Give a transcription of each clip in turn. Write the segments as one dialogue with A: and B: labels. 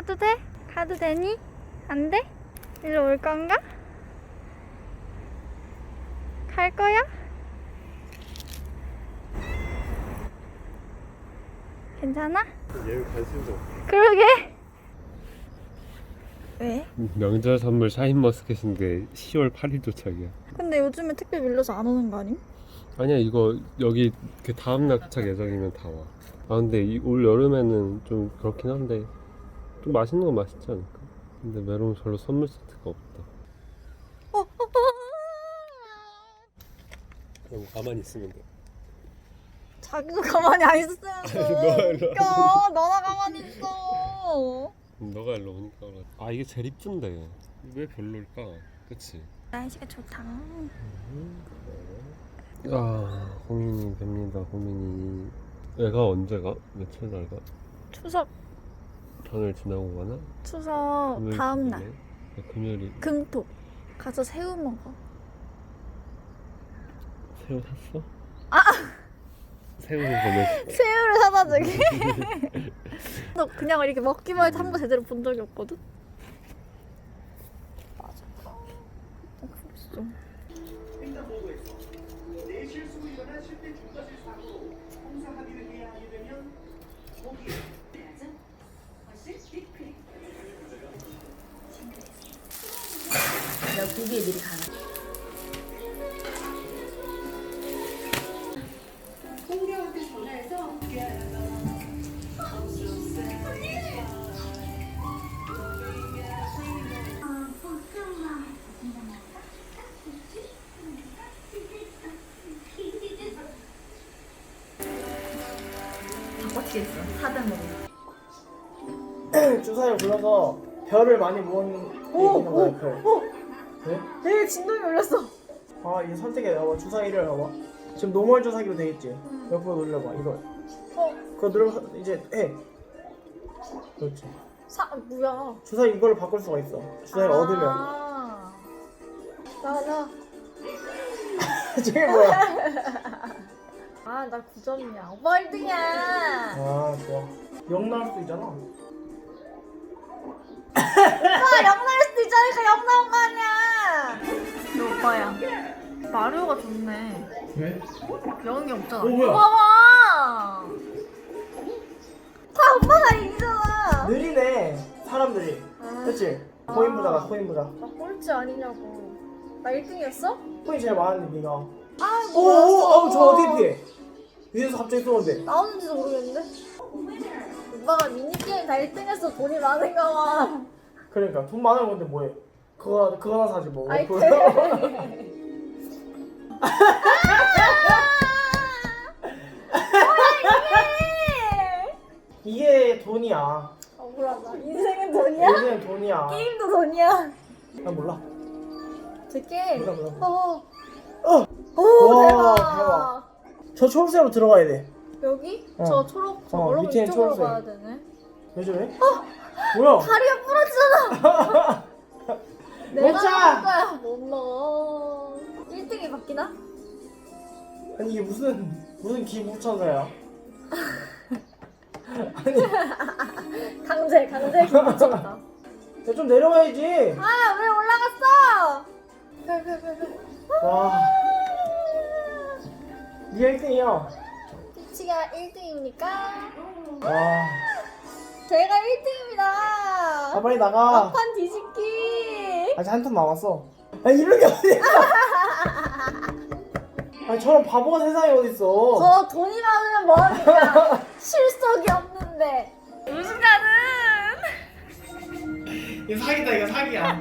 A: 가도 돼? 가도 되니? 안 돼? 일로 올 건가? 갈 거야? 괜찮아?
B: 얘는 관심도 없어.
A: 그러게. 왜?
B: 명절 선물 샤인머스켓인데 10월 8일 도착이야.
A: 근데 요즘에 택배 밀려서 안 오는 거 아님?
B: 아니야, 이거 여기 그 다음날 도착 예정이면 다 와. 아 근데 올 여름에는 좀 그렇긴 한데 좀 맛있는 건 맛있지 않을까? 근데 메론 별로 선물 세트가 없다. 그럼 가만히 있으면 돼.
A: 자기도 가만히 안 있었으면서.
B: 너가 일로
A: 웃겨. 너나 가만히 있어.
B: 너가 일로 오니까 그래. 아 이게 제일 이쁜데 왜 별로일까? 그치?
A: 날씨가 좋다.
B: 아 고민이 됩니다. 고민이. 애가 언제 가? 며칠 날 가?
A: 추석
B: 전을 지나고 가나?
A: 추석
B: 금요일
A: 다음 날
B: 주말에? 아, 금요일이.
A: 금토 가서 새우 먹어.
B: 새우 샀어? 새우를 보내줄게.
A: 새우를 사다 주게. 너 그냥 이렇게 먹기만 해도 한 번 제대로 본 적이 없거든. 맞아. 그랬어.
C: 횡단보도에서 내 실수로 일어난 실제 중과실 사고로 공사 합의를 해야 하게 되면 거기에
A: 내가 보기에 미리 가는.
C: 공개한테 전화해서
A: 바꿔치겠어. 400
D: 주사위를 굴려서 별을 많이 모은 게 있는 거야, 별. 네?
A: 되게 진동이 울렸어.
D: 아, 이제 선택해. 봐봐. 주사위를 봐봐. 지금 노멀 주사기로 돼 있지? 옆으로 눌러봐, 이걸. 그거 눌러서 이제 해. 그렇지.
A: 뭐야?
D: 주사위 이걸로 바꿀 수가 있어. 주사위를 얻으면.
A: 나.
D: 저게 뭐야?
A: 아, 나 9점이야. 오빠 1등이야.
D: 아, 좋아. 영 나올 수도 있잖아.
A: 오빠 0 나올 수도 있잖아. 0 나온 거 아니야. 너 오빠야. 마리오가 좋네.
D: 왜?
A: 0이 없잖아.
D: 뭐야?
A: 봐봐. 다 오빠가 이기잖아.
D: 느리네, 사람들이. 그치? 코인 부자가, 코인 부자.
A: 나 꼴찌 아니냐고. 나 1등이었어?
D: 코인 제일 많은데, 니가.
A: 아,
D: 오, 저 어떻게 피해? 위에서 갑자기 쏘는데.
A: 나오는지도 모르겠는데? 오빠가 미니게임 다 1등해서 돈이 많은가 봐.
D: 그러니까, 돈 많은 건데 뭐해? 그거나 사지 뭐.
A: 아이,
D: 그거. 이게 돈이야.
A: 억울하다. 인생은 돈이야?
D: 인생은 돈이야.
A: 게임도 돈이야.
D: 난 몰라.
A: 제 게임.
D: 몰라.
A: 오,
D: 와,
A: 대박.
D: 대박. 저 초록색으로 들어가야 돼.
A: 여기?
D: 어.
A: 저 초록, 저 여러분
D: 밑에는
A: 이쪽으로
D: 초록색.
A: 가야 되네.
D: 왜 저래? 뭐야?
A: 다리가 부러지잖아. 내가
D: 먹자.
A: 먹을 거야. 못 먹어. 1등이 바뀌나?
D: 아니 이게 무슨 기부천사야? 아니,
A: 강제 기분쳤다.
D: 좀 내려와야지.
A: 아, 왜 올라갔어?
D: 와, 니가 1등이야.
A: 피치가 1등입니까?
D: 와,
A: 제가 1등입니다.
D: 빨리 나가.
A: 막판 뒤집기.
D: 아직 한 턴 남았어. 아니 이런 게 어디야? 아니 저런 바보가 세상에 어딨어?
A: 저 돈이 많으면 뭐합니까? 실속이 없는데. 우승자는
D: 이거 사기다, 이거 사기야.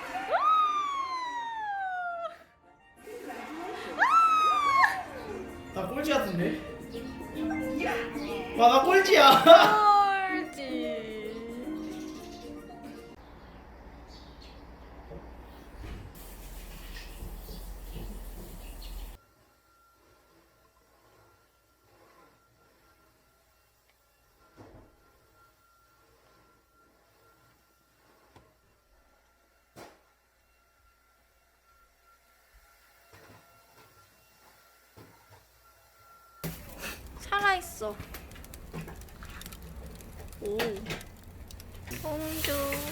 D: 나 꼴찌 같은데? 와, 나 꼴찌야.
A: 꼴찌. 살아있어. 오. 공주.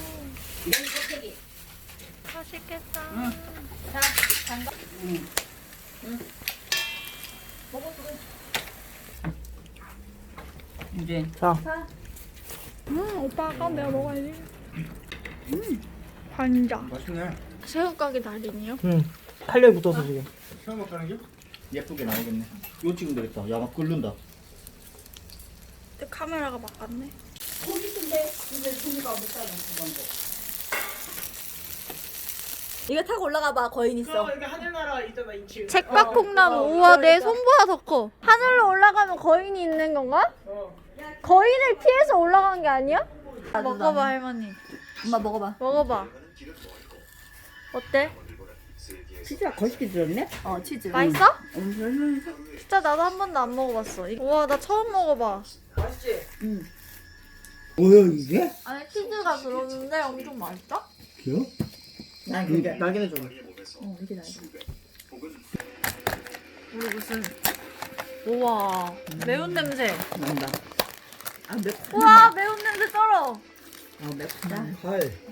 A: 맛있겠다.
E: 이제
D: 자,
A: 오빠가 내가 먹어야지. 반장.
F: 맛있네.
A: 새우가게 달인이요?
D: 탄력이 붙어서 지금.
F: 처음 먹는 게 예쁘게 나오겠네. 이거 찍으면 되겠다. 야막 끓는다.
A: 근데 카메라가 막았네. 이거 타고 올라가 봐. 거인 있어.
D: 여기 하늘나라 있잖아 2층.
A: 잭박콩나무. 우와 내 손보다 더 커. 하늘로 올라가면 거인이 있는 건가? 거인을 피해서 올라간 게 아니야? 먹어봐 할머니.
E: 엄마 먹어봐.
A: 먹어봐. 어때?
E: 치즈가 거시기 들었네? 어 치즈.
A: 맛있어?
E: 응.
A: 진짜 나도 한 번도 안 먹어봤어. 우와 나 처음 먹어봐.
D: 맛있지?
F: 뭐야 이게?
A: 안에 치즈가 들었는데 엄청 맛있다?
F: 귀여워?
D: 날개는 좀.
E: 이게 나야.
A: 우리 무슨 우와 매운 냄새.
E: 난다. 아 맵다.
A: 우와 매운 냄새 쩔어.
E: 맵다.
F: 할.